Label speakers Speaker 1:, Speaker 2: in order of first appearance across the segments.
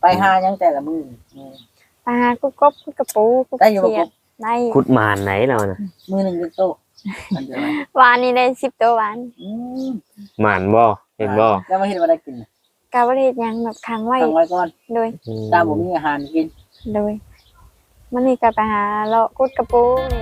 Speaker 1: ไปหายังแต่ละมื้อ
Speaker 2: ปลากุ๊กกบกุ๊กกระปูกุ๊กเขียดได้
Speaker 3: ขุดหมานไหนเราน่ะ
Speaker 1: มื้อนึงเป็นโตมันจะไหม
Speaker 2: วานนี้ได้10ตัววาน
Speaker 3: หมานบ่เห็นบ่
Speaker 1: แล้วมาเฮ็ดบ่ได้กิน
Speaker 2: กาบ่ได้เฮ็ดหยังแบบค้างไว้
Speaker 1: ตั้งไว้ก่อน
Speaker 2: โดย
Speaker 1: ตามบ่มีอาหารกิน
Speaker 2: โดยมันนี่ก็ไปหาเลาะกุดกระปูนี่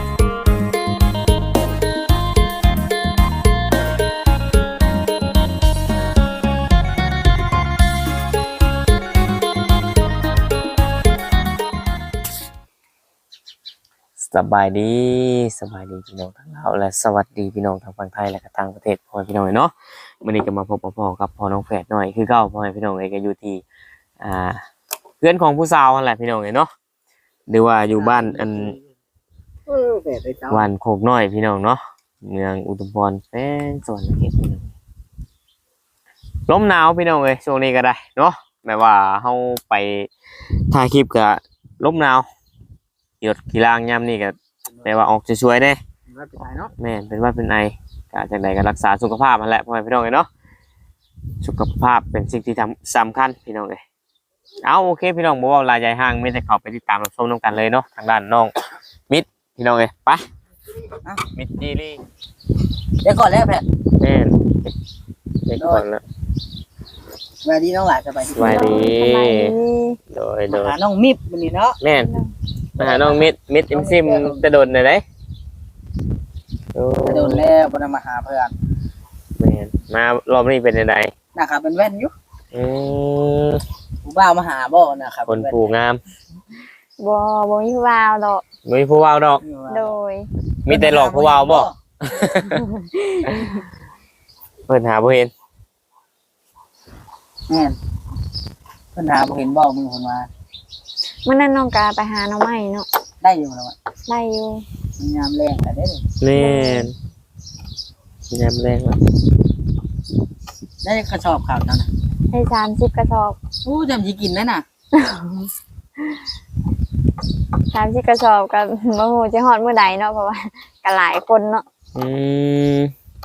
Speaker 3: สบายดีพี่น้องทั้งลาวและสวัสดีพี่น้องทั้งฝั่งไทยและก็ต่างประเทศพ่อพี่น้องเนาะมื้อนี้ก็มาพบกับพ่อกับพ่อน้องแฝดหน่อยคือเก่าพ่อพี่น้องเอ้ยก็อยู่ที่เพื่อนของผู้สาวนั่นแหละพี่น้องเอ้ยเนาะหรือว่าอยู่บ้านอัน
Speaker 1: แบบไปเจ้า
Speaker 3: วันโคกน้อยพี่น้องเนาะเมืองอุทุมพรแป้งสวรรค์เขตพี่น้องลมหนาวพี่น้องเอ้ยช่วงนี้ก็ได้เนาะแม้ว่าเฮาไปถ่ายคลิปก็ลมหนาวหยดกีฬางยามนี่ก็แปลว่าออกสวยๆเด้
Speaker 1: ว่าไปถ่ายเนาะ
Speaker 3: แม่นเป็นว่าเป็นไอก็จากใดก็รักษาสุขภาพนั่นแหละพ่อแม่พี่น้องเอ้ยเนาะสุขภาพเป็นสิ่งที่สำคัญพี่น้องเอ้ยเอาโอเคพี่น้องบ่เว้าลายใหญ่ห่างมีแต่เข้าไปติดตามรับชมนํกันเลยเนาะทางด้านน้องมิตรพี่น้องเอ้ยไปมิตรจีรี่
Speaker 1: เดี๋ยวก่อนแล้วแพทย์
Speaker 3: แม่นเด็กก่อนละ
Speaker 1: สวัสดีน้องหลานสบายดี
Speaker 3: สวัสดี
Speaker 2: สบายดี
Speaker 3: โดย
Speaker 1: มาหาน้องมิบมื้อนี้เนาะ
Speaker 3: แม่นมาหาน้องมิตรซิมจะโดนได้ไดโอ้
Speaker 1: จะโดนแล้วบ่ได้มาหาเพิ่น
Speaker 3: แม่นมารอบนี้เป็นจังได
Speaker 1: นะครับเป็นแว่นอยู่
Speaker 3: อืม
Speaker 1: ผู้บ่าวมาหาบ่นะครับ
Speaker 3: คนผู้งาม
Speaker 2: บ่มีวาวดอก
Speaker 3: บ่มีผู้เว้าดอก
Speaker 2: โดย
Speaker 3: มีแต่หลอกผู้เว้าบ่เพิ่นหาบ่เห็น
Speaker 1: แม่นเพิ่นหาบ่เห็นบ่มือเพิ่นมา
Speaker 2: เมื่อนั้นน้องกาไปหาหน่อไม้เนาะ
Speaker 1: ได้อยู่แล้วอะ
Speaker 2: ได้อยู่
Speaker 1: มันยามแรงแต่ได้เลย
Speaker 3: แม่นยามแรงแล้ว
Speaker 1: ได้กระสอบข่าวนั่นน่ะ
Speaker 2: ได้30กระสอบ
Speaker 1: โอ้จำสิกินไหมน่ะ
Speaker 2: 30กระสอบก็บ่ฮู้สิฮอดมื้อใดเนาะเพราะว่าก็หลายคนเนาะ
Speaker 3: อืม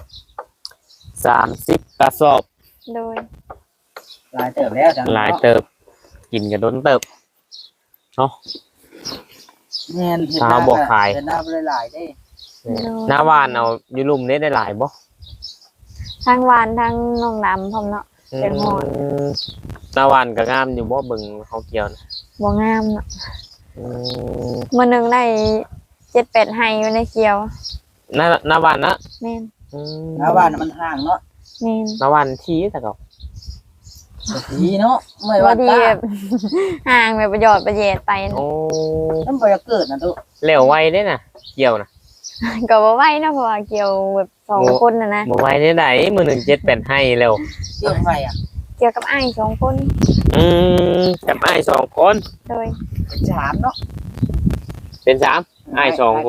Speaker 3: 30กระสอบ
Speaker 2: โดย
Speaker 1: หลายเติบแล้วจัง
Speaker 3: หลายเติบกินก็โดนเติบเนาะ
Speaker 1: แม่นเฮ็ด
Speaker 3: หาบ่ขาย
Speaker 1: เฮ็ดหน้าบ่ได้หลายเด้
Speaker 3: หน้าบ้านเอาอยู่ลุ่มนี้ได้หลายบ่
Speaker 2: ทั้งหวานทั้งน้องดำพร้อมเนาะ เป็นหมอน
Speaker 3: หน้าบ้านก็งามอยู่บ่เบิ่งเขาเกี่ยวนะ
Speaker 2: บ่งามเนาะ
Speaker 3: อืม
Speaker 2: มื้อหนึงได้7-8ไห้อยู่ในเขียว
Speaker 3: หน้าบ้านนะ
Speaker 2: แม่น
Speaker 3: อืม
Speaker 1: หน้าบ้านน่ะมันห่างเนาะ
Speaker 2: แม่น
Speaker 3: หน้าบ้านที่แต่ก็
Speaker 1: ดีเนาะไม่
Speaker 2: บ่
Speaker 1: ว่า
Speaker 2: ดี
Speaker 1: ตา
Speaker 2: แบบ ห่างแบบประโยชน์ประเยชไปนะ
Speaker 3: โอ้
Speaker 1: มันบ่อยากเกิดนะตุ
Speaker 3: แล้วไวได้น่ะเกี่ยวน่ะ
Speaker 2: ก็บ่ไหวเนาะเพราะว่าเกี่ยวแบบ2คนน่ะนะ
Speaker 3: บ่ไวได้ไดมื้อหนึง7 8ให้แล้ว
Speaker 1: เกี่ยวไฟอ่ะ
Speaker 2: เกี่ยวกับอ้าย2คน
Speaker 3: อืมกับอ้าย2คน
Speaker 2: โดย
Speaker 1: ถามเนาะ
Speaker 3: เป็น3อ้าย2คน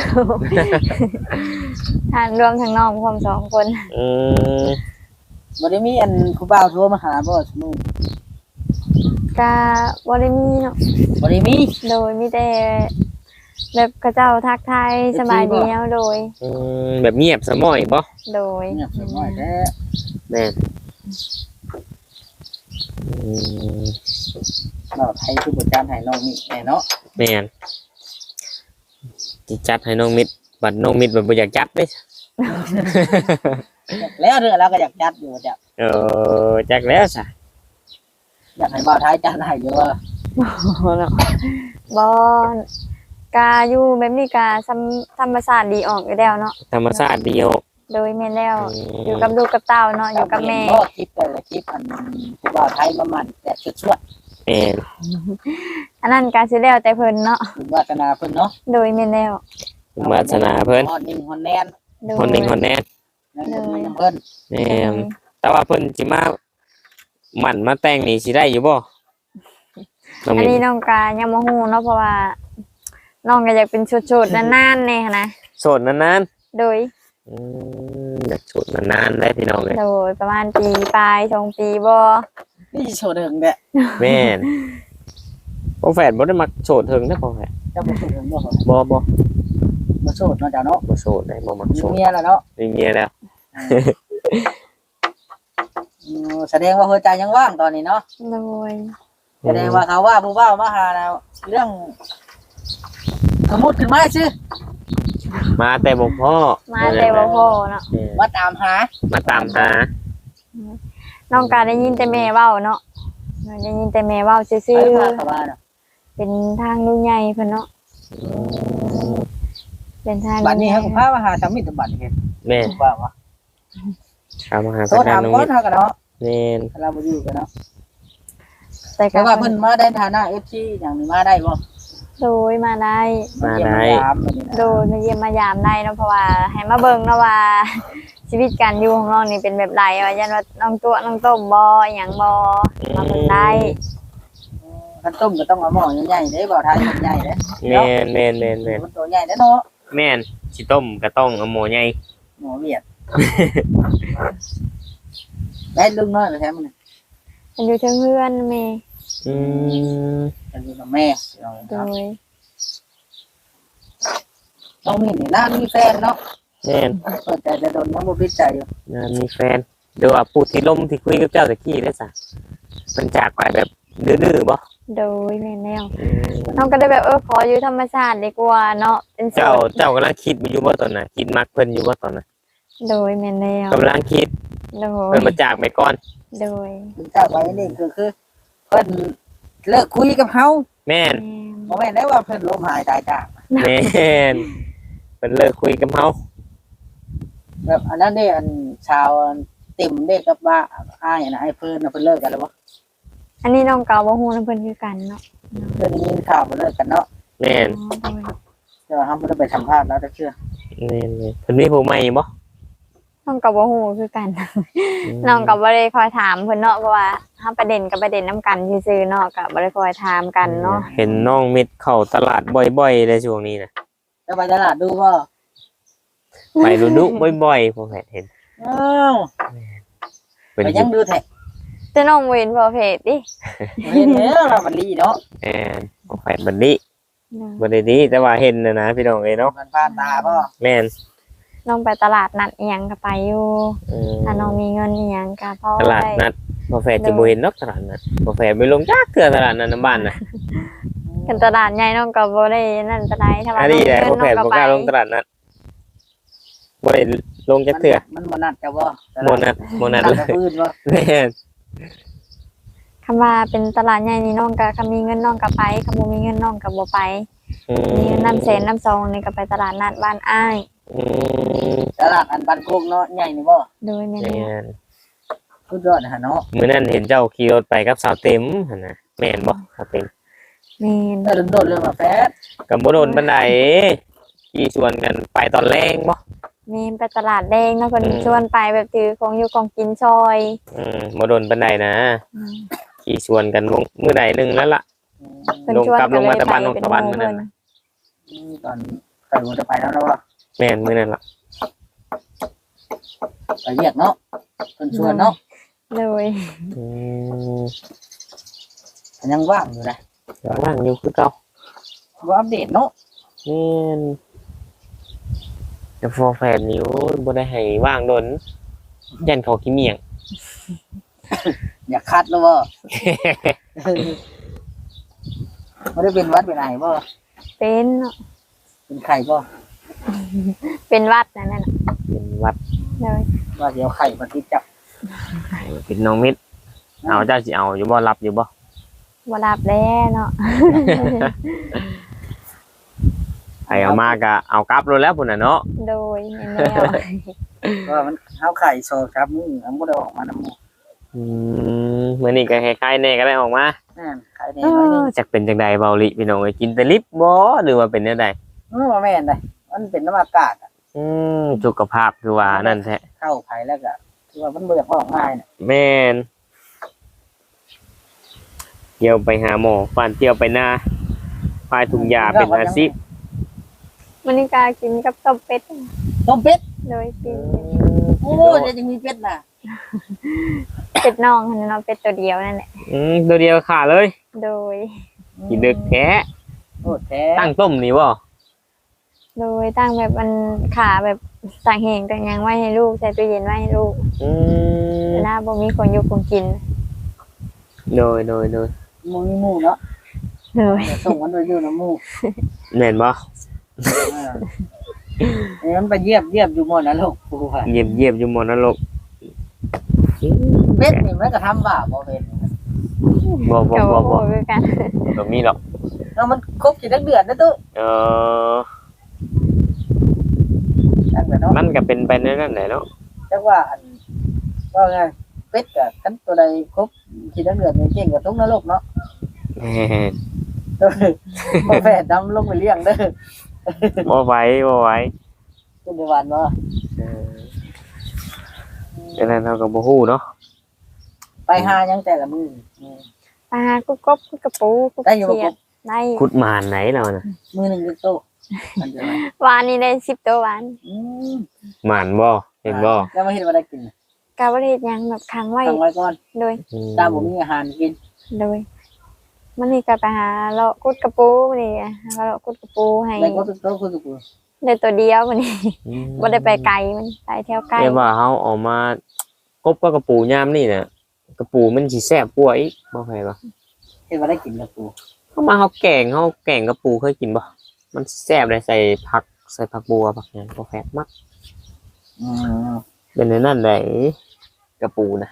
Speaker 2: ทานรวมทั้งน้องพร้อม2คน
Speaker 3: อืม
Speaker 1: บ่ได้มีอันผู้บ่าวโทรมาหาบ่สมุ
Speaker 2: ก็บ่ได้มีเนาะ
Speaker 1: บ่ได้มี
Speaker 2: โดยมีแต่แบบเขาเจ้าทักทายสบายดีแล้วโดย
Speaker 3: อืมแบบเงียบสมอยบ่
Speaker 2: โดย
Speaker 1: เงียบสน้อยแท้
Speaker 3: แม่นอืม
Speaker 1: เราไทยคือบ่จานให้น้องนี่แน่เนาะ
Speaker 3: แม่นสิจัดให้น้องมิตรบัดน้องมิตรแบบบ่อยากจัดเด้
Speaker 1: แล้วเด้อเราก็อยากจัดอยู่จ้ะ
Speaker 3: จักแล้วซะ
Speaker 1: อยากให้บ่าวไทยจัดให้อยู่ว่า
Speaker 2: บ่กาอยู่แบบนี้กาธรรมชาติดีออกอยู่แล้วเนาะ
Speaker 3: ธรรมชาติเดียว
Speaker 2: โดยแม่นแล้วอยู่กับลูกกับเต้าเนาะอยู่กับแม่
Speaker 1: บ่คลิปแต่ละคลิปอันผู้บ่าวไทยประมาณแต่ชวด
Speaker 3: แม่น
Speaker 2: อันนั้นกาสิแล้วแต่เพิ่นเนาะ
Speaker 1: ๆคุณวาสนาเพิ่นเนาะ
Speaker 2: โดยแม่นแล้ว
Speaker 3: วาสนาเพิ่น
Speaker 1: ฮอดนิ่งฮอดแนน
Speaker 2: โดย
Speaker 3: คนหนึ่งคนแน่น
Speaker 1: นั่นก็มีเพิ่น
Speaker 3: แม่นแต่ว่าเพิ่นสิมาหมั่นมาแต่งนี่สิได้อยู่บ่น้อง
Speaker 2: อัน
Speaker 3: มิต
Speaker 2: นี้
Speaker 3: ร
Speaker 2: น้องกายังบ่ฮู้เนาะเพราะว่าน้องก็อยากเป็นชุดๆนานๆแน่หั้นนะ
Speaker 3: โสดนาน
Speaker 2: โดย
Speaker 3: ๆอยากโสดนานๆได้พี่น้องเลย
Speaker 2: โดยประมาณปีปลาย2ปีบ่
Speaker 1: นี่โชว์เดิงเด้อ
Speaker 3: แม่นพ่อแฝดบ่ได้มักโสดเถิงนะพ่อแฝด
Speaker 1: เจ้าบ่โชว์เดิงบ่เหรอ
Speaker 3: บ่
Speaker 1: บ่โชว์เนาะจ้ะเนาะ
Speaker 3: บ่โสดได้บ่มัก
Speaker 1: มี
Speaker 3: โสด
Speaker 1: เมียแล้วเนาะ
Speaker 3: มีเมียแล้ว
Speaker 1: แสดงว่าหัวใจยังว่างตอนนี้เนาะ
Speaker 2: โดย
Speaker 1: แสดงว่าเขาว่าผู้ว่ามาหาแล้วเรื่องสมมุติขึ้นมาชื่อ
Speaker 3: มาแต่บ่พ่อ
Speaker 2: มาแต่บ่พอเนาะ
Speaker 1: มาตามหา
Speaker 3: มาตามหา
Speaker 2: น้องก็ได้ยินแต่แม่เว้าเนาะได้ยินแต่แม่เว้าซื่
Speaker 1: ไป
Speaker 2: อ
Speaker 1: มาเขาว่าเนาะ
Speaker 2: ๆเป็นทางลุงใหญ่เพิ่นเนาะเป็นทาง
Speaker 1: บัดนี้เขาก็พามาหาสามีตบัดเฮ็ด
Speaker 3: แม่น
Speaker 1: ว่า
Speaker 3: เอามาหา
Speaker 1: โทร
Speaker 3: ทาง
Speaker 1: ถาม
Speaker 3: น้อง
Speaker 1: ก่อ
Speaker 3: มิ
Speaker 1: น
Speaker 3: ตร
Speaker 1: เฮาก็เนาะ
Speaker 3: แม่น
Speaker 1: เราบ่อยู่กันเนาะ
Speaker 2: แต่
Speaker 1: แต่
Speaker 2: ก็
Speaker 1: ว่าเพิ่นมาได้ฐานะ FC อย่างนี้มาได้บ่
Speaker 2: โดยมาได้
Speaker 3: มาได้
Speaker 1: เยี่ยยามแบบนี้นะ
Speaker 2: โดยมาเยี่ยมมายามได้เนาะเพราะว่าให้มาเบิ่งเนาะว่า ชีวิตการอยู่ของน้องนี่เป็นแบบไรว่ายันว่าน้องตัวน้องต้มบ่อหยังบ่มาเบิ่งได้
Speaker 1: คันต้มก็ต้องเอาหม้อใหญ่ๆเด้บ่ทานใหญ่ๆเด้
Speaker 3: แม่นแม่นแม่นแม่น
Speaker 1: มันตัวใหญ่เด้เนาะ
Speaker 3: แม่นสิต้มก็ต้องเอาหมูใหญ่
Speaker 1: หม้อเวียดได้ลุงน้อยไปแท้มัน
Speaker 2: มันอยู่เทิงเฮือนแม่
Speaker 3: อืม
Speaker 1: เป็นอยู่กับแม่เอา
Speaker 2: โด
Speaker 1: เนาะ
Speaker 2: ย
Speaker 1: ต้องมีนี่น่ามีแฟนเนาะ
Speaker 3: แม่น
Speaker 1: เปิดใจจะโดนน้ำบ่พิจัยอยู่
Speaker 3: งานมีแฟนเดี๋ยวว่าพูดที่ล่มที่คุยกับเจ้าตะกี้ได้ซะมันจากไปแบบดื้อๆบ่
Speaker 2: โดยแม่แนวน้องก็ได้แบบขออยู่ธรรมชาติดีกว่าเนาะเป็นโส
Speaker 3: เจ้า
Speaker 2: ด
Speaker 3: กำลังคิดอยู่บ่ตอนน่ะคิดมักเพิ่นอยู่บ่ตอนน่ะ
Speaker 2: โดยแม่แนว
Speaker 3: กำลังคิด
Speaker 2: โดย
Speaker 3: เพิ่นมาจากไปก่อน
Speaker 2: โดย
Speaker 1: ถึงเจ้าไปนี่คือเพิ่นเลิกคุยกับเฮา
Speaker 3: แม่น
Speaker 1: บ่แม่นได้ว่าเพิ่นลมหายตายจาก
Speaker 3: แม่นเพิ่นเลิกคุยกับเฮา
Speaker 1: แบบอันนั้นได้อันชาวติ่มได้กับว่าอ้ายนะไอ้เพิ่นน่ะเพิ่นเลิกกันแล้วบ่
Speaker 2: อันนี้น้องก็บ่ฮู้นำเพิ่นคือกันเนาะ
Speaker 1: เพิ่นได้ยินข่าวเพิ่นเลิกกันเนาะ
Speaker 3: แม่น
Speaker 2: โดย
Speaker 1: แต่ว่าเฮาบ่ได้ไปสัมภาษณ์แล้วแต่เชื่อ
Speaker 3: แม่นๆเพิ่นมีผู้ใหม่บ่
Speaker 2: น้องก็บ่ฮู้คือกัน น้องก็บ่ได้คอยถามเพิ่นเนาะเพราะว่าเฮาประเด็นกับประเด็นนํกันซื่อๆเนาะก็บ่ได้คอยถามกันเนาะ
Speaker 3: เห็นน้องมิดเข้าตลาดบ่อยๆในช่วงนี้น่ะ
Speaker 1: จะไปตลาดดูบ่
Speaker 3: ไปดุๆบ่อยๆผมเห็น
Speaker 1: อ้าว
Speaker 3: เป็น
Speaker 1: ไป
Speaker 3: อ
Speaker 1: ยั
Speaker 3: ยู่
Speaker 1: งดูแท้
Speaker 2: แต่น้องบ่เห็นบ่เพจดิ
Speaker 1: เห็นแล้วเรามันลีเนาะ
Speaker 3: แอนผมแฝดบันนี้บันนี้แต่ว่าเห็นนะพี่น้องเอ้ยเนาะ
Speaker 1: มันผ่านตาบ่
Speaker 3: แม่น
Speaker 2: น้องไปตลาดนัดอีหยังก็ไปอยู่
Speaker 3: อืม
Speaker 2: ถ้าน้องมีเงินอีหยังก็พอ
Speaker 3: ตลาดนัดบ่แฝดจะบ่เห็นเนาะตลาดนัดบ่แฝดไปลงจักเทื่อตลาดนัดน้ำบ้านน่ะ
Speaker 2: กันตลาดใหญ่น้องก็บ่ได้นั่นปานใดถ้าว่า
Speaker 3: อัน
Speaker 2: น้อ
Speaker 3: นี้
Speaker 2: ง
Speaker 3: แห
Speaker 2: มี
Speaker 3: ละ
Speaker 2: เงิน
Speaker 3: บ่
Speaker 2: น้
Speaker 3: แฝ
Speaker 2: อง
Speaker 3: ด
Speaker 2: ก็
Speaker 3: บ่
Speaker 2: ไป
Speaker 3: กล้าลงตลาดนัดบ่ได้ลงจักเทื่อ
Speaker 1: มันบ่นัดจะบ่
Speaker 3: บ่นัดเล
Speaker 1: จะ
Speaker 3: ย
Speaker 1: พื้นบ่
Speaker 3: แม่น
Speaker 2: คำว่าเป็นตลาดใหญ่นี่น้องก็คำมีเงินน้องก็ไปคำบ่มีเงินน้องก็บ่ไป
Speaker 3: อื
Speaker 2: มีเงินน้ำแสนน้ำซองนี่ก็ไปตลาดนัดบ้านอ้าย
Speaker 3: อืม
Speaker 1: ตลาดอันบ้านโคกเนาะใหญ่นี่บ่
Speaker 2: โดยแม่
Speaker 3: แม่
Speaker 2: แม่
Speaker 3: น
Speaker 1: สุดยอดนะฮะเนาะ
Speaker 3: มื้อนั้นเห็นเจ้าขี่รถไปกับสาวเต็มหั่นน่ะแม่นบ่สาวเต็ม
Speaker 2: แม่น
Speaker 1: แต่โดนเรื่องมาแฟด
Speaker 3: ก็บ่โดนปานใดขี่ชวนกันไปตอนแรงบ่
Speaker 2: แม่นไปตลาดแดงเนาะเพิ่น
Speaker 3: อืม
Speaker 2: ชวนไปแบบถือของอยู่ของกินซอย
Speaker 3: บ่โดนปานใดนะ
Speaker 2: อืม
Speaker 3: ขี่ชวนกันมื้อใดหนึงแล้วล่ะ
Speaker 2: เพิ่น
Speaker 3: ลง
Speaker 2: ชวน
Speaker 3: กลับลงมาตะบัน
Speaker 2: ก็
Speaker 3: ลง
Speaker 2: เลย
Speaker 3: ตะบัน
Speaker 2: ไป
Speaker 3: มื้อ
Speaker 2: เป็
Speaker 3: นั้น
Speaker 2: ห
Speaker 3: น่ะ
Speaker 1: ตอนใส่หัวจะไปแล้วนะว่า
Speaker 3: แม่นมื้อนั้นล่ะ
Speaker 1: ไปเรียกเนาะเพิ่นชวนเนาะ
Speaker 2: เลย
Speaker 3: อืม
Speaker 1: ยังว่างอยู่นะ
Speaker 3: ว่างอยู่คือเก่า
Speaker 1: บ่อัปเดตเนาะ
Speaker 3: แม่นแต่ฟอร์แฟนนี่โอ้ยบ่ได้ให้ว่างโดนยันเขาขี้เมียง
Speaker 1: อย่าคัดแล้วบ่บ่ได้เป็นหวัดเป็นไอบ่
Speaker 2: เป็นเนาะ
Speaker 1: เป็นไข้บ่
Speaker 2: เป็นวัดนั่นน่ะ
Speaker 3: เป็นวัด
Speaker 2: เลย
Speaker 1: ว่าเดี๋ยวไข้มาติดจับ
Speaker 3: เป็นน้องมิตรเอาเจ้าสิเอาอยู่บ่รับอยู่บ่
Speaker 2: บ่รับแล้วเนาะ
Speaker 3: ไผเอามาก็เอากลับโลดแล้วพุ่นน่ะเนาะ
Speaker 2: โดยแม่แนว
Speaker 1: ว่ามันเฮาไข้โซครับมึงอันบ่ได้ออกมานำหมู่
Speaker 3: มื้อนี้ก็คล้ายๆแน่ก็ได้ออกมา
Speaker 1: นั่นไข้แน่น้อยนึง
Speaker 3: จักเป็นจังใดเบาลิพี่น้องเอ้ยกินแต่ลิปบ่หรือว่าเป็นแนวใด
Speaker 1: บ่แม่นได้มันเป็นน้ำอากาศ
Speaker 3: สุขภาพคือว่านั่นแท้
Speaker 1: เข้าไข้แล้วก็คือว่ามันบ่อยากออกง่ายน่ะ
Speaker 3: แม่นเที่ยวไปหาหมอฟันเที่ยวไปหน้าพายถุงยาเป็น50
Speaker 2: มันนี่กากินกับต้มเป็ด
Speaker 1: ต้มเป็ด
Speaker 2: โดยกิน
Speaker 1: โอ้ยจะมีเป็ดน่ะ
Speaker 2: เป็ดน้องหั่นเนาะเป็ดตัวเดียวนั่นแหละ
Speaker 3: ตัวเดียวขาเลย
Speaker 2: โดย
Speaker 3: กินดึกแท้
Speaker 1: โอ้แท้
Speaker 3: ตั้งต้มนี่บ่
Speaker 2: โดยตั้งแบบมันขาแบบต่างแห่งต่างหยังไว้ให้ลูกใส่ตู้เย็นไว้ให้ลูก
Speaker 3: อืม
Speaker 2: เวลาบ่มีคนอยู่คนกิน
Speaker 3: โดย
Speaker 1: หมู่มีหมู่เนาะ
Speaker 2: เลย
Speaker 1: ส่งมันไปอยู่น้ำหมู่
Speaker 3: แม่นบ่
Speaker 1: มันไปเยียบอยู่หมดนะลูกกูว่า
Speaker 3: เยียบอยู่หมดนรก
Speaker 1: เป็ดนี่มันก็ทำบาปบ่เป็น
Speaker 3: บ่
Speaker 2: กับโอ้คือกัน
Speaker 3: บ่มีหรอก
Speaker 1: แล้วมันครบกี่เดือนนะตู้
Speaker 3: เออ
Speaker 1: นั่นแหละเนาะ
Speaker 3: มันก็เป็นไปในนั้นแหละเนาะ
Speaker 1: จังว่าว่าไงเป็ดกับกันตัวใดครบกี่เดือนนี่เก่งกว่าทุกนรกเนาะ
Speaker 3: แม่น
Speaker 1: บ่แฝดดำลงไปเลี้ยงเด้อ
Speaker 3: บ่ไหว
Speaker 1: เป็นในวันเนาะ
Speaker 3: ดังนั้นเราก็บ่ฮู้เนาะ
Speaker 1: ไปหายังแต่ละมื้อ
Speaker 2: ปลากุ๊กกบกุ๊กกระปูกุ๊ก
Speaker 1: ได้อยู่บ่
Speaker 2: เขียดได้
Speaker 3: ขุดหมานไหนเราน่ะ
Speaker 1: มื้อนึงเป็นโตอันเดียวนะ
Speaker 2: วานนี้ได้10ตัววาน
Speaker 1: อืม
Speaker 3: หมานบ่เห็นบ่
Speaker 1: แล้วมาเฮ็ดว่าได้กิน
Speaker 2: กาบ่ได้เฮ็ดหยังแบบค้างไว้
Speaker 1: ตั้งไว้ก่อน
Speaker 2: โดย
Speaker 1: ตามบ่มีอาหารกิน
Speaker 2: โดยมันนี่ก็ไปหาเลาะกุดกระปูนี่หาเลาะกุดกระปูให้
Speaker 1: แล้วก็เป็นโตคือกู
Speaker 2: ได้ตัวเดียวมันนี่บ่ได้ไปไกลมันไปแถวไกล
Speaker 3: เรียกว่าเฮาเออกมากบกับกระปูยามนี่น่ะกระปูมันสิแซ่บกว่าอีกบ่ใช่บ่
Speaker 1: เฮ็ดว่าได้กินกับกู
Speaker 3: เฮามาเฮาแกงกระปูเคยกินบ่มันแซ่บเลยใส่ผักบัวผักหยังบ่แฟบมัก
Speaker 1: อืม
Speaker 3: เป็นในนั้นได้กระปูนะ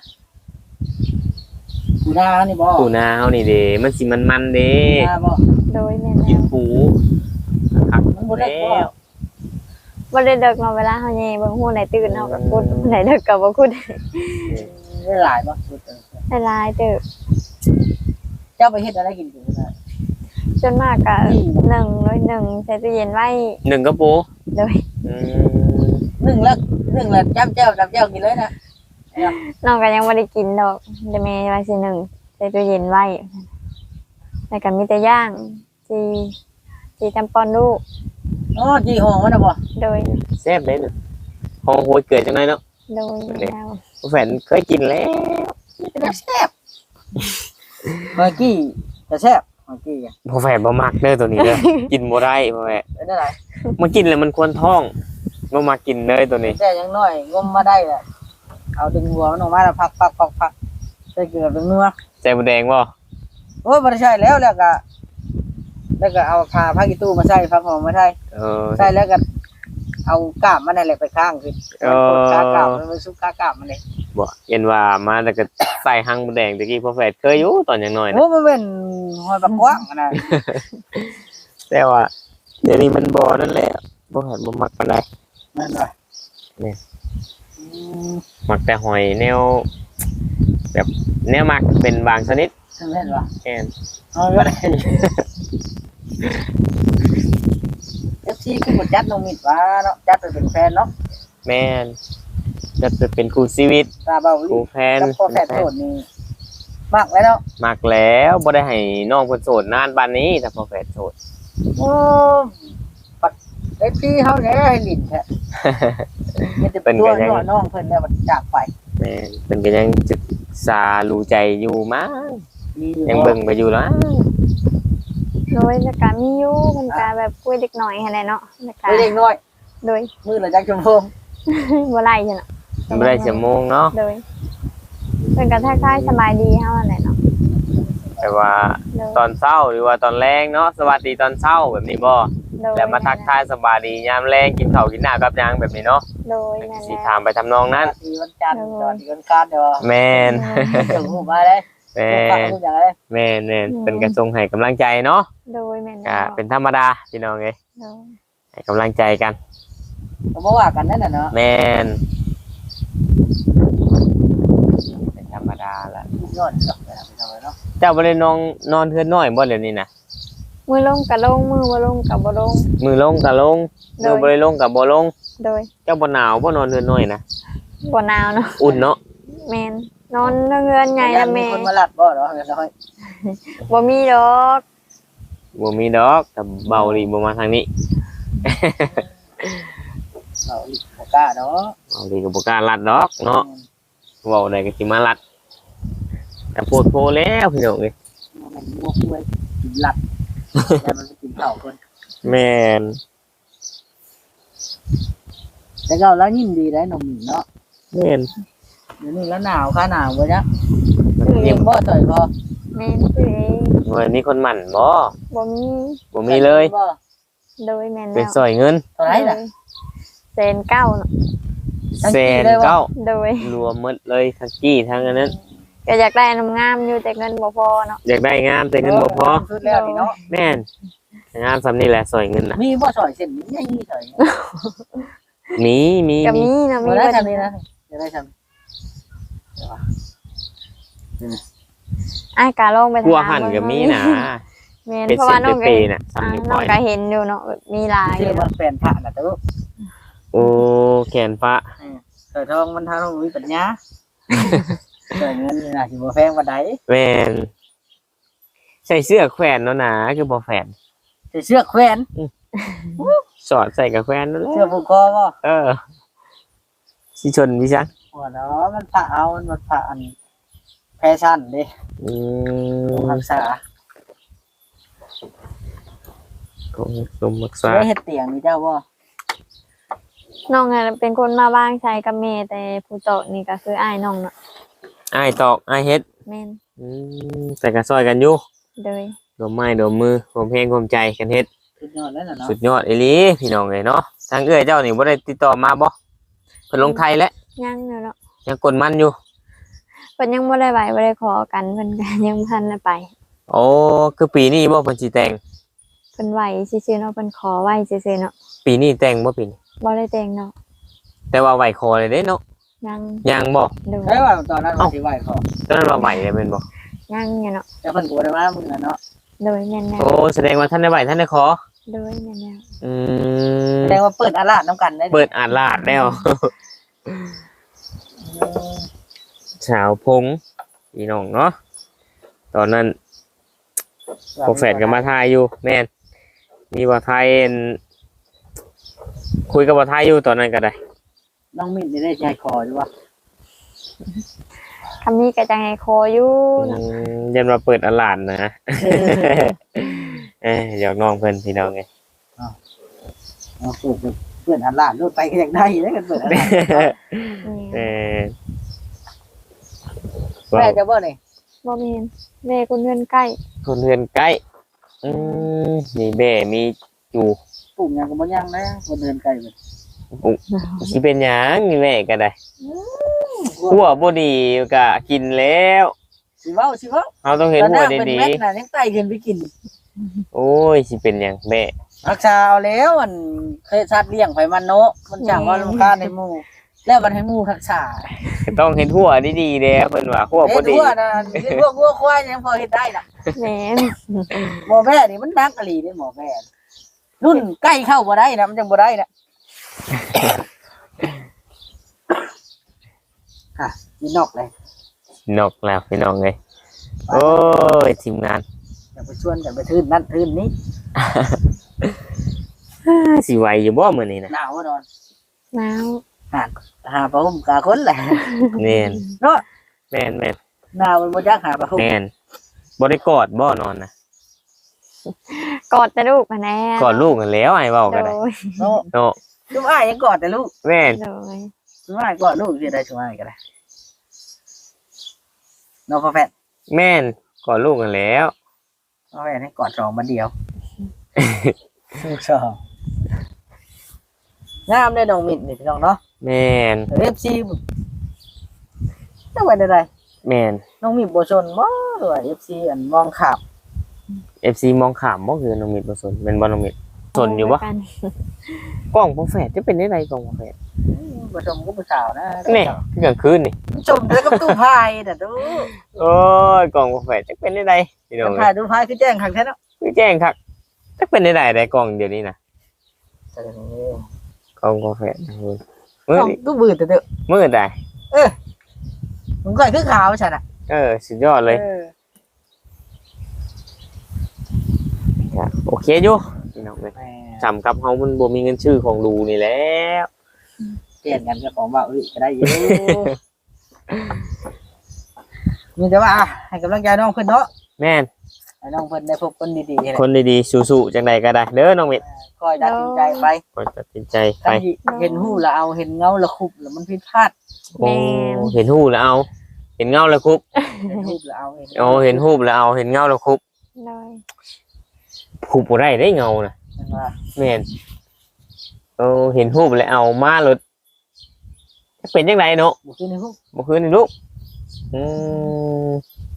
Speaker 1: กูด่านี่บ่
Speaker 3: ปูนาเฮานี่เด้มันสิมันๆเด้
Speaker 1: ด่าบ่
Speaker 2: โดยแม่น
Speaker 3: กิ
Speaker 2: แล้
Speaker 3: น
Speaker 2: ว
Speaker 3: ปูผัก
Speaker 1: มันบ่ได้บ่
Speaker 2: บ่ได้เดึกเนาะเวลาเฮาแย่เบิ่งฮู้ไหนตื่นเฮาก็กุดไหนเดึกก็บ่กุด
Speaker 1: ได้หลายบ่
Speaker 2: ได้หลายเติบ
Speaker 1: เจ้าไปเฮ็ดอะไรกินกูนะ
Speaker 2: จนมากก็1เลย1ใส่ตู้เย็นไว้
Speaker 3: หนึ่งกระปู
Speaker 2: โดย
Speaker 3: อืม
Speaker 1: นึ่งแล้วจ้ำเจ้ากินเลยนะ
Speaker 2: น้องก็ยังบ่ได้กินดอกแต่แม่ว่าสิ1ใส่ตู้เย็นไว้แล้วก็มีแต่ย่างจีจำปอนลูก
Speaker 1: อ๋อจีห้องมันน่ะบ่
Speaker 2: โดย
Speaker 3: แซ่บเด้น่ะหอมโหยเกิดจังไดเนาะ
Speaker 2: โดยแล้ว
Speaker 3: แฟนเคยกินแล้ว
Speaker 1: แซ่บเมื่อกี้จะแซ่บเมื่อกี้อ่ะ
Speaker 3: พ่อแฟนบ่มักเด้อตัวนี้เด้อ กินบ่ได้พ่อแฟน
Speaker 1: เป็นอะไร
Speaker 3: มากินแล้วมันควรท้องบ่มากินเลยตัวนี้
Speaker 1: แต่ยังน้อยงมมาได้แหละเอาดึงหัวมันออกมาแล้วพักใส่เกลือเป็นนัว
Speaker 3: ใส่หมูแดงบ่
Speaker 1: โอ้ยบ่ได้ใช่แล้วก็เอาผ้าผ้ากีตู้มาใส่ผ้าหอมมาใส่
Speaker 3: เออ
Speaker 1: ใส่แล้วก็เอากาบมันนั่นแหละไปข้างคือ
Speaker 3: เออ
Speaker 1: กากาบมันซุกกาบมันเลย
Speaker 3: บ่เห็นว่ามาแต่ก็ใส่หั่งหมูแดงตะกี้พ่อแฟนเคยอยู่ตอนยังน้อยนะ
Speaker 1: โอ้มันเป็นหอยปลากว้างอะนะ
Speaker 3: แต่ว่าเดี๋ยวนี้มันบ่นั่นแหละบ่แฟนบ่มักปานใด
Speaker 1: นั่นว่ะ
Speaker 3: นี่
Speaker 1: อืม
Speaker 3: มักแต่หอยแนว แบบแนวมักเป็นบางชนิด
Speaker 1: แม่นว่ะ
Speaker 3: แม่น
Speaker 1: เอาก็ได้ FC คือบ่จัดน้องมิดว่าเนาะจัดไปเป็นแฟนเนาะ
Speaker 3: แม่นจะไปเป็นคู่ชีวิต
Speaker 1: ตาเบาลิ
Speaker 3: คู่แฟน
Speaker 1: กับพ่อแฟนโสดนี่มากแล้วเนาะ
Speaker 3: มักแล้วบ่ได้ให้น้องเพิ่นโสดนานปานนี้ถ้าพ่อแฟนโสด
Speaker 1: โอ้ปัดไอ้พี่เฮาเนี่ยให้ลิ้นแท้มันจะเป็นตัวน้องเพิ่นแล้วมันจากไป
Speaker 3: แม่นเพิ่นก็ยังศึกษารู้ใจอยู่มั้ง
Speaker 1: มีอยู่
Speaker 3: ยังเบิ่งไปอยู่แล้ว
Speaker 2: โดยแล้วก็มีอยู่มันก็แบบคุยเด็กหน่อยหั่นแหละเนาะแล้วก็
Speaker 1: เด็กน้อย
Speaker 2: โดย
Speaker 1: มือละจักชมพง
Speaker 2: บ่ไล่ซั่นเนาะ
Speaker 3: บ่ได้ชั่วโมงเนาะ
Speaker 2: โดยเพิ่นก็ทักทายสบายดีเฮานั่นแหละเนาะ
Speaker 3: แต่ว่า
Speaker 2: โดย
Speaker 3: ตอนเช้าหรือว่าตอนแรงเนาะสวัสดีตอนเช้าแบบนี้บ่
Speaker 2: โดย
Speaker 3: แล้วมาทักทายสบายดียามแรงกินข้าวกินน้ำกับหยังแบบนี้เนาะ
Speaker 2: โดยแม่น
Speaker 3: สิ
Speaker 2: แล้ว
Speaker 3: ถามไปทำนองนั้น
Speaker 1: ทีวันจันทร์ตอนที่วันการเดี๋ยว
Speaker 3: แม่น
Speaker 1: ส่งหูมาเลย
Speaker 3: แม่
Speaker 1: ฟัง
Speaker 3: น
Speaker 1: ทุกอย่างเลย
Speaker 3: แม่นแม่นเป็นกระทรงให้กำลังใจเนาะ
Speaker 2: โดยแม่น
Speaker 3: ก็
Speaker 2: แล้ว
Speaker 3: เป็นธรรมดาพี่น้องเอ้ย
Speaker 2: โดย
Speaker 3: ให้กำลังใจกัน
Speaker 1: ก็บ่ว่ากันนั่นน่ะเนาะ
Speaker 3: แม่นเป็นธรรมดาละ
Speaker 1: ย้อนกลับไปเนาะ
Speaker 3: เจ้าบ่ได้นอนเทือนน้อยบ่เดี๋ยวนี้นะ
Speaker 2: มือลงก็ลงมือบ่ลงก็บ่ลง
Speaker 3: มือลงก็ลง
Speaker 2: โดย
Speaker 3: มือบ่ได้ลงก็บ่ลง
Speaker 2: โดย
Speaker 3: เจ้าบ่หนาวบ่นอนเทือนน้อยนะ
Speaker 2: บ่หนาวเนาะ
Speaker 3: อุ่นเนาะ
Speaker 2: แม่นนอนเรือนใหญ่ละ
Speaker 1: มี
Speaker 2: แม่
Speaker 1: คนมาลัดบ่เนาะเรียบร้อย
Speaker 2: บ่มีดอก
Speaker 3: บ่มีดอกแต่เบาดีบ่มาทางนี้
Speaker 1: เอาอีกบ่กล้าเนาะ
Speaker 3: เบาดีก็บ่กล้าลัดดอกเนาะเว้าได้ก็สิมาลัดแต่โพดโพแล้วพี่น้องเอ้ย
Speaker 1: มันงกด้วยกินลัดแล้วมันกินข้าวคน
Speaker 3: แม่น
Speaker 1: แต่ก็แล้วยิ้มดีได้นมเนาะ
Speaker 3: แม่น
Speaker 1: เดี๋ยวนี้แล้วหนาวค่าหนาวบ่จ๊ะเองบ่ต่อยพอ
Speaker 2: แม่นซื้อเอง
Speaker 3: เฮ้ยมีคนหมั่นบ่
Speaker 2: บ่มี
Speaker 3: บ่มีเลย
Speaker 1: บ่
Speaker 2: โดยแม่น
Speaker 3: เป็น
Speaker 2: แล้ว
Speaker 3: ซอยเงิน
Speaker 1: เท่าไหร่น่ะ
Speaker 2: แสนเก้าเนาะ
Speaker 3: แสนเก้า
Speaker 2: โดย
Speaker 3: รวมหมดเลยทั้งกี้ทั้งอันนั้น
Speaker 2: ก็อยากได้น้ำงามอยู่แต่เงินบ่พอเนาะ
Speaker 3: อยากได้งามแต่เงินบ่พอ
Speaker 1: สุดแล้วนี่เนาะ
Speaker 3: แม่นงามสำนี่แหละซอยเงินน่ะ
Speaker 1: มีบ่ซอยเส้นนี้ใหญ่ซอย
Speaker 3: มี
Speaker 2: ก็มีนะมี
Speaker 1: บ่ได้
Speaker 2: เบิด
Speaker 1: ทำนี่นะจะได้ทำ
Speaker 2: อ้ายกะลองไป
Speaker 3: กลัว
Speaker 2: ถาม
Speaker 3: หั่นก็มีนะ
Speaker 2: แม่น
Speaker 3: เป็น
Speaker 2: เพราะ
Speaker 3: เส้
Speaker 2: ว่าน น้อง
Speaker 3: เป
Speaker 2: ก็
Speaker 3: ย์ๆน่ะซ้ำนิ้ว
Speaker 2: น้
Speaker 3: ก้
Speaker 2: อ
Speaker 3: อง ย
Speaker 2: ก็เห็นอยู่เนาะแบบมีหลายอ
Speaker 1: ที่
Speaker 2: ยู่
Speaker 1: มันเป็นพระน่ะแต่ว่า
Speaker 3: โอ้แขนฟ้า
Speaker 1: เกิดทองมันทางต้องมีปัญญาเกิดเงินนี่น่ะสิบ่แพงปานใด
Speaker 3: แม่นใส่เสื้อแขวนเนาะนะคือบ่แขวน
Speaker 1: ใส่เสื้อแขวน
Speaker 3: สอดใส่กับแขวนนั่นแหละ
Speaker 1: เสื้อผูกคอบ่
Speaker 3: เออสิชนพี่จัง
Speaker 1: หัวเนาะมันพระเอามันพระอันแฟชั่นเด้
Speaker 3: อื
Speaker 1: ผม
Speaker 3: ม
Speaker 1: รักษา
Speaker 3: ของสมรักษา
Speaker 1: ได้เฮ็ดเตียงนี่เจ้าบ่
Speaker 2: น้องอะเป็นคนมาบ้างใช้กับแม่แต่ผู้โตะนี่ก็คืออ้ายน้องเนาะ
Speaker 3: อ้ายตอกอ้ายเฮ็ด
Speaker 2: แม่น
Speaker 3: อืมแต่ก็ซอยกันอยู่
Speaker 2: โดย
Speaker 3: ดมไม้ดมมือรวมเพลงรวมใจกันเฮ็ด
Speaker 1: สุดยอดแล้วน่ะเนาะ
Speaker 3: สุดยอดอีหลีพี่น้องเอ้ยเนาะทางเอื้อยเจ้านี่บ่ได้ติดต่อมาบ่เพิ่นลงไทยแล้ว
Speaker 2: ยังอยู่เนาะ
Speaker 3: ยังกดมันอยู่
Speaker 2: เพิ่นยังบ่ได้ไหวบ่ได้ขอกันเพิ่นก็ยังบ่ทันได้ไป
Speaker 3: โอ้คือปีนี้บ่เพิ่นสิแต่ง
Speaker 2: เพิ่นไหวซื่อๆเนาะเพิ่นขอไหวซื่อๆเนาะ
Speaker 3: ปีนี้แต่งบ่ปีนี้
Speaker 2: บ่ได้แต่งเนาะ
Speaker 3: แต่ว่าไหวคอเลยเด้เนาะ
Speaker 2: ยัง
Speaker 3: ยังบ่
Speaker 2: โดย
Speaker 1: ใช่ว่าตอนนั้นว่าสิไหว้ขอ
Speaker 3: ตอนนั้นว่าไหวเลยแม่นบ่
Speaker 2: ยังอยู่เนาะ
Speaker 1: แต่เพิ่นก็บ่ได้มามื้อนั้นเนาะ
Speaker 2: โดยแม่นแนว
Speaker 3: โอ้แสดงว่าท่านได้ไหวท่านได้ขอ
Speaker 2: โดยแม่นแนว
Speaker 3: อืม
Speaker 1: แสดงว่าเปิดอาลาดน้ำกันได้
Speaker 3: เปิดอ่านลาดแล้ว ชาวพงพี่น้องเนาะตอนนั้นโปรแฟตกับมาทายอยู่แม่นมีบ่ทายเอ็นคุยกับบ่ทายอยู่ตอนนั้นก็ได้
Speaker 1: น้องมิ้นได้ใจคออยู่ว่า
Speaker 2: คำนี้ก็จะให้ขออยู่
Speaker 3: อื
Speaker 2: เนาะ
Speaker 3: มยันมาเปิดอ่านลาดนะ อยากน้องเพิ่นพี่น้องไง
Speaker 1: เอาเปิดอาลาดรถไปก็อยากได้แล้วกันเปิดอาลาด
Speaker 3: เออ
Speaker 1: แม่จะบ่นี่
Speaker 2: บ่แม่นแม่คนเงินใกล้
Speaker 3: คนเฮือนใกล้อืมมีแบ่มีอยู่
Speaker 1: ปลูกหยังก็บ่ยังนะบ่เดินไกลเลย
Speaker 3: สิเป็นหยังมีแม่ก็ได้หัวบ่ดีก็กินแล้ว
Speaker 1: สิเว้าสิเว้า
Speaker 3: เราต้องเห็น
Speaker 1: ตอน
Speaker 3: หัว
Speaker 1: น้าเป็น
Speaker 3: ดี
Speaker 1: เม็ดน่ะยังไต่ขึ้นไปกิน
Speaker 3: ๆโอ้ยสิเป็นหยังแม่
Speaker 1: รักษาเอาแล้วมันเคยสัตว์เลี้ยงไปมันเนาะมันจังว่าลำคาญในหมู่แล้วมันให้หมู่รักษา
Speaker 3: ต้องเห็นหัวดีๆเด้เพิ่นว่าหัวบ่ดี
Speaker 1: เฮ็ดหัวน่ะเฮ็ดหัวงัวควายยังพอเฮ็ดได้น่ะ
Speaker 2: แม่น
Speaker 1: หมอแม่นี่มันนักอหลีเด้หมอแม่รุ่นใกล้เข้าบ่ได้นะมันจังบ่ได้นะค่ะมีนอกเลย
Speaker 3: นกแล้วพี่น้องเอ้ยโอ้ยทีมงาน
Speaker 1: อย่าไปชวนกันไปทื่นนั่นทื่นนี้
Speaker 3: สิไหวอยู่บ่มื้อนี้นะ
Speaker 1: หนาวบ่นอน
Speaker 2: หนาว
Speaker 1: หาผ้าห่มกาคนแหละ
Speaker 3: แม่น
Speaker 1: เนาะ
Speaker 3: แม่นแม่น
Speaker 1: หนาวมันบ่จักหาผ้าห่ม
Speaker 3: แม่นบ่ได้กอดบ่นอนนะ
Speaker 2: กอดแต่ลูกมาแน่
Speaker 3: กอดลูกกันแล้วไอ้เว้าก็
Speaker 2: โด
Speaker 3: ได้
Speaker 2: ย
Speaker 1: เนาะ
Speaker 3: เนาะ
Speaker 1: จุ๊บอ้ายยังกอดแต่ลูก
Speaker 3: แม่น
Speaker 2: โดย
Speaker 1: จุ๊บอ้ายกอดลูกสิได้จุ๊บอ้ายก็ได้เนาะพ่อแฟน
Speaker 3: แม่นกอดลูกกันแล้ว
Speaker 1: พ่อแฟนให้กอดสองมาเดียวลูกสองงามได้น้องมิ้นนี่พี่น้องเนาะ
Speaker 3: แม่น
Speaker 1: FC จังไว้ได้
Speaker 3: แม่น
Speaker 1: น้องมิ้นบ่ชนบ่หรือว่า FC อันมองขาบ
Speaker 3: FC มองขามบ่คือน้องมิตรบ่สนเป็นบ่น้องมิตรสนอยู่บ่
Speaker 2: กัน
Speaker 3: กล้องบ่แฝดจะเป็นได้ไดกล้องบ่แฝด
Speaker 1: บ่ชมก็ผู้สาวนะ
Speaker 3: แนี่คือกลางคืนนี่
Speaker 1: ชมเด้อกับตู้พายน่ะดู
Speaker 3: โอ้ยกล้องบ่แฝดจะเป็นได้ไดพี่น้อง
Speaker 1: พายดูพายคือแจ้งคักแท้เนาะ
Speaker 3: คือแจ้งคักจะเป็นได้ไดกล้องเดี๋ยวนี้นะ
Speaker 1: แสดงว่าก
Speaker 3: ล้องบ่แฝดมื้อ
Speaker 1: ต้อง
Speaker 3: นี้
Speaker 1: ตู้บืดแต่เด้อ
Speaker 3: มื้อใด
Speaker 1: มันก็คือขาวฉันน่ะ
Speaker 3: สุดยอดเลยครับโอเคอยู่พี่น้องเอ้ย
Speaker 1: แหม
Speaker 3: จำกับเฮามันบ่มีเงินชื่อของดูนี่แหล้ว
Speaker 1: เปลี่ยนกันกับของว่าก็ได้อยู่มีแต่ว่าให้กำลังใจน้องเพิ่นเนาะ
Speaker 3: แม่น
Speaker 1: ให้น้องเพิ่นได้พบคนดีๆแหละ
Speaker 3: คนดีๆสู้ๆจังใดก็ได้เด้อน้องมิตร
Speaker 1: คอยตัดสินใจไป
Speaker 3: คอยตัดสินใจไป
Speaker 1: ถ้าเห็นหู้แล้วเอาเห็นเงาแล้วคุบแล้วมันผิดพลาด
Speaker 3: โอ้เห็นหู้แล้วเอาเห็นเงาแล้วคุบ
Speaker 1: เห็นรูปแล้วเอา
Speaker 3: โอ้เห็นรูปแล้วเอาเห็นเงาแล้วคุบ
Speaker 2: โดย
Speaker 3: คุบบ่ได้ได้เงาน่ะ
Speaker 1: เห็นว่า
Speaker 3: แม่นเห็นรูปแล้วเอามาเลยเป็นจังไดเนาะ
Speaker 1: บุกขึ้นในรูป
Speaker 3: บ่คืนนี่ลูกอืม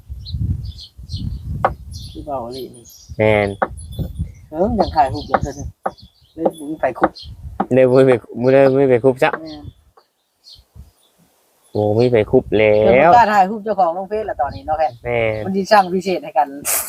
Speaker 1: ที่เบาเลยนี่
Speaker 3: แม่น
Speaker 1: ยังถ่ายรูปอย่างเดิมเลยบุกไปคุก
Speaker 3: เด้บ่ไปคุบซะโอ้มีไปคุบแล้
Speaker 1: แล้ว
Speaker 3: ว
Speaker 1: กล้าถ่ายรูปเจ้าของลงเฟซแล้วตอนนี้เนาะแค่
Speaker 3: แม่น
Speaker 1: มันดีช่างพิเศษให้กัน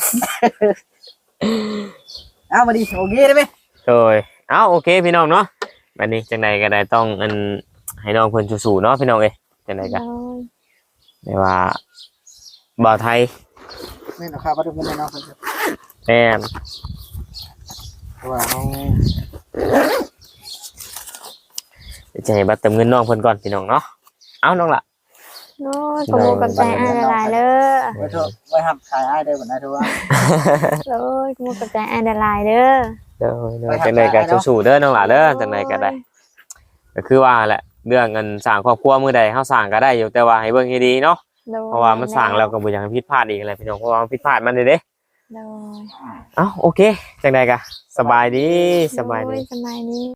Speaker 1: เอามาดีโอเคได้ไหม
Speaker 3: โดยโอเคพี่น้องเนาะบัดนี้จังไดก็ได้ต้องให้น้องเพิ่นสู้ๆเนาะพี่น้องเอ้ยจังไดก็
Speaker 2: โดย
Speaker 3: ได้ว่าบ่าวไทย
Speaker 1: ไม่หรอกครับว่าทุกคนเนาะคน
Speaker 3: แม่น
Speaker 1: ว่าน้อง
Speaker 3: จะให้บัตรเติมเงินน้องเพิ่นก่อนพี่น้องเนาะเอาน้องล่ะ
Speaker 2: โดยขอบคุณกับใจอ้ายหลายๆเด้อ
Speaker 1: ไว้เถอะไว้ห้ามขายอ้ายได้เหมือนนะทุกว่า
Speaker 2: โดยขอบคุณกับใจอ้ายหลายๆเด้อ
Speaker 3: เด้อจังไดก็สู้ๆเด้อน้องล่ะเด้อจังไดก็ได้ก็คือว่าแหละเรื่องเงินสร้างครอบครัวมื้อใดเฮาสร้างก็ได้อยู่แต่ว่าให้เบิ่งให้ดีเนาะ
Speaker 2: โดย
Speaker 3: เพราะว่ามันสร้างแล้วก็บ่อยากให้ผิดพลาดอีกอะไรพี่น้องเพราะว่ามันผิดพลาดมันเด้
Speaker 2: โดย
Speaker 3: โอเคจังไดก็สบายดีสบาย
Speaker 2: โด
Speaker 3: ดี
Speaker 2: สบายดี